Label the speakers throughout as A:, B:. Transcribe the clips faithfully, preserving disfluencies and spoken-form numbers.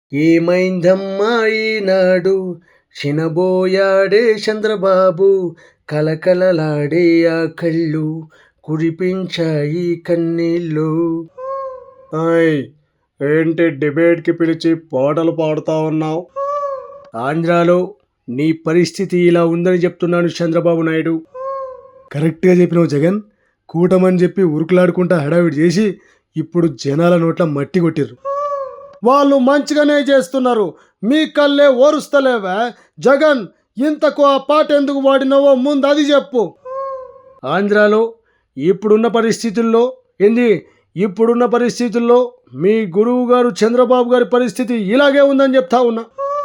A: ఏమైందమ్మా ఈనాడు చినబోయాడే చంద్రబాబు, కలకలలాడే ఆ కళ్ళు కురిపించాయి కన్నీళ్ళు.
B: ఆయ్ ఏంటి డిబేట్కి పిలిచి పాటలు పాడుతా ఉన్నావు?
A: ఆంధ్రాలో నీ పరిస్థితి ఇలా ఉందని చెప్తున్నాను చంద్రబాబు నాయుడు.
B: కరెక్ట్గా చెప్పినావు జగన్. కూటమని చెప్పి ఉరుకులాడుకుంటా హడావిడి చేసి ఇప్పుడు జనాల నోట్ల మట్టి కొట్టిర్రు. వాళ్ళు మంచిగానే చేస్తున్నారు, మీ కళ్ళే ఓరుస్తలేవా? జగన్, ఇంతకు ఆ పాట ఎందుకు వాడినావో ముందు అది చెప్పు.
A: ఆంధ్రాలో ఇప్పుడున్న పరిస్థితుల్లో ఏంది ఇప్పుడున్న పరిస్థితుల్లో మీ గురువు గారు చంద్రబాబు గారి పరిస్థితి ఇలాగే ఉందని చెప్తా ఉన్నా.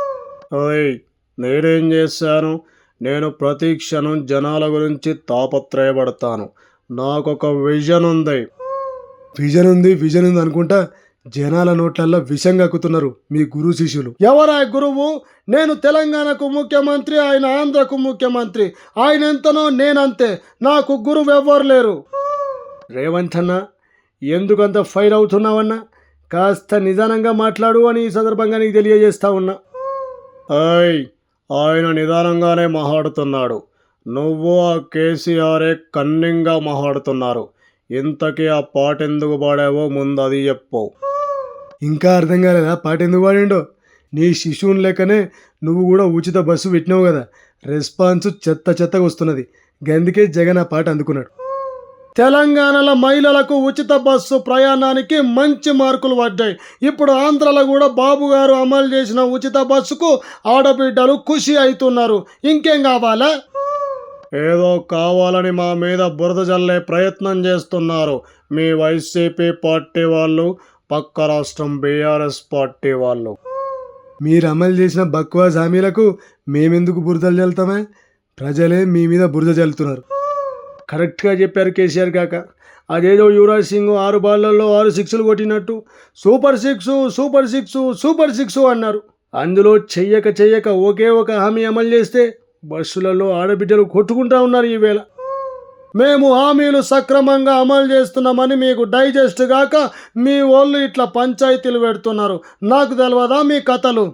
B: ఓయ్ నేనేం చేశాను? నేను ప్రతి క్షణం జనాల గురించి తాపత్రయపడతాను. నాకొక విజన్ ఉంది. విజన్ ఉంది విజన్ ఉంది అనుకుంటా జనాల నోట్లల్లో విషం కక్కుతున్నారు మీ గురు శిష్యులు. ఎవరా గురువు? నేను తెలంగాణకు ముఖ్యమంత్రి, ఆయన ఆంధ్రకు ముఖ్యమంత్రి. ఆయన ఎంతనో నేనంతే, నాకు గురువు ఎవ్వరు లేరు.
A: రేవంత్ అన్న, ఎందుకంత ఫైర్ అవుతున్నావన్నా? కాస్త నిదానంగా మాట్లాడు అని ఈ సందర్భంగా నీకు తెలియజేస్తా ఉన్నా.
B: ఆయ్ ఆయన నిదానంగానే మాట్లాడుతున్నాడు. నువ్వు ఆ కేసీఆరే కన్నింగా మాట్లాడుతున్నారు. ఇంతకీ ఆ పాట ఎందుకు పాడావో ముందు అది చెప్పు. ఇంకా అర్థం కాలేదా పాట ఎందుకు పాడిండో? నీ శిశువుని లెక్కనే నువ్వు కూడా ఉచిత బస్సు పెట్టినావు కదా, రెస్పాన్స్ చెత్త చెత్తగా వస్తున్నది. గందుకే జగన్ ఆ పాట అందుకున్నాడు. తెలంగాణలో మహిళలకు ఉచిత బస్సు ప్రయాణానికి మంచి మార్కులు పడ్డాయి. ఇప్పుడు ఆంధ్రలో కూడా బాబు గారు అమలు చేసిన ఉచిత బస్సుకు ఆడబిడ్డలు ఖుషి అవుతున్నారు. ఇంకేం కావాలా? ఏదో కావాలని మా మీద బురద జల్లే ప్రయత్నం చేస్తున్నారు మీ వైసీపీ పార్టీ వాళ్ళు, పక్క రాష్ట్రం బీఆర్ఎస్ పార్టీ వాళ్ళు. మీరు అమలు చేసిన బక్వాస్ హామీలకు మేమెందుకు బురదలు జల్లుతామే? ప్రజలే మీ మీద బురద జల్లుతున్నారు.
A: కరెక్ట్గా చెప్పారు కేసీఆర్ కాక. అదేదో యువరాజ్ సింగ్ ఆరు బాళ్లలో ఆరు సిక్స్లు కొట్టినట్టు super six super six super six అన్నారు. అందులో చెయ్యక చెయ్యక ఒకే ఒక హామీ అమలు చేస్తే బస్సులలో ఆడబిడ్డలు కొట్టుకుంటా ఉన్నారు ఈవేళ.
B: మేము హామీలు సక్రమంగా అమలు చేస్తున్నామని మీకు డైజెస్ట్ గాక మీ వాళ్ళు ఇట్లా పంచాయతీలు పెడుతున్నారు. నాకు తెలియదా మీ కథలు?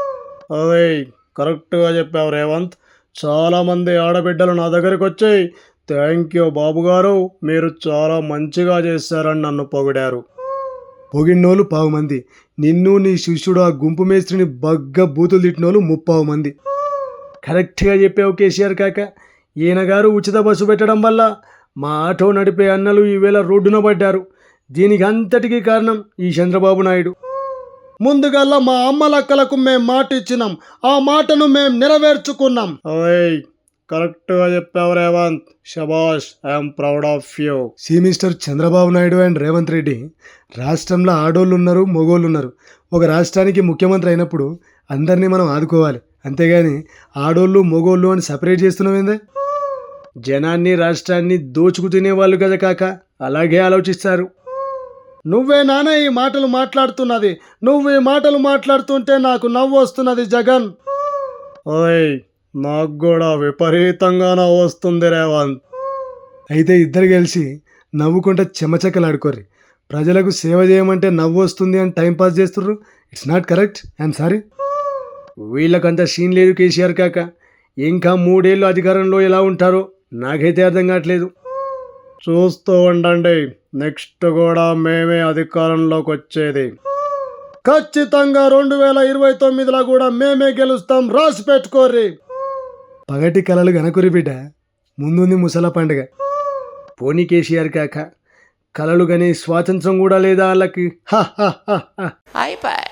B: అదే కరెక్ట్గా చెప్పావు రేవంత్. చాలామంది ఆడబిడ్డలు నా దగ్గరికి వచ్చాయి, థ్యాంక్ యూ బాబు గారు, మీరు చాలా మంచిగా చేశారని నన్ను పొగిడారు. పొగిడినోళ్ళు పావు మంది, నిన్ను నీ శిష్యుడు ఆ గుంపు మేస్త్రిని బగ్గ బూతులు తిట్టినోళ్ళు ముప్పావు మంది.
A: కరెక్ట్గా చెప్పావు కేసీఆర్ కాక. ఈయన గారు ఉచిత బస్సు పెట్టడం వల్ల మా ఆటో నడిపే అన్నలు ఈవేళ రోడ్డున పడ్డారు. దీనికి అంతటికీ కారణం ఈ చంద్రబాబు నాయుడు.
B: ముందుగల్లా మా అమ్మలక్కలకు మేము మాట ఇచ్చినాం, ఆ మాటను మేము నెరవేర్చుకున్నాం. ఓయ్ కరెక్ట్గా చెప్పావు రేవంత్, శబాష్, I'm proud of you. See mister Chandrababu Naidu and Revanth Reddy, రాష్ట్రంలో ఆడోళ్ళు ఉన్నారు, మగోళ్ళు ఉన్నారు. ఒక రాష్ట్రానికి ముఖ్యమంత్రి అయినప్పుడు అందరినీ మనం ఆదుకోవాలి, అంతేగాని ఆడోళ్ళు మగోళ్ళు అని సపరేట్ చేస్తున్నామేందే?
A: జనాన్ని రాష్ట్రాన్ని దోచుకు తినేవాళ్ళు కదా కాక, అలాగే ఆలోచిస్తారు.
B: నువ్వే నాన్న ఈ మాటలు మాట్లాడుతున్నది. నువ్వు ఈ మాటలు మాట్లాడుతుంటే నాకు నవ్వు వస్తున్నది జగన్. ఓయ్ నాకు కూడా విపరీతంగా నవ్వు వస్తుంది రేవంత్. అయితే ఇద్దరు కలిసి నవ్వుకుంటే చెమచక్కలాడుకోర్రి. ప్రజలకు సేవ చేయమంటే నవ్వు వస్తుంది అని టైంపాస్ చేస్తుర్రు. It's not correct, I'm sorry.
A: వీళ్ళకంత సీన్ లేదు కేసీఆర్ కాక. ఇంకా మూడేళ్ళు అధికారంలో ఎలా ఉంటారో నాకైతే అర్థం కావట్లేదు.
B: చూస్తూ ఉండండి, నెక్స్ట్ కూడా మేమే అధికారంలోకి వచ్చేది. ఖచ్చితంగా రెండు వేల ఇరవై తొమ్మిదిలో కూడా మేమే గెలుస్తాం, రాసి పెట్టుకోర్రి. పగటి కలలు గనకురి బిడ్డ, ముందుంది ముసల పండుగ.
A: పోనీ కేసీఆర్ కాక, కలలు కానీ స్వాతంత్రం కూడా లేదా వాళ్ళకి?
C: అయిపోయి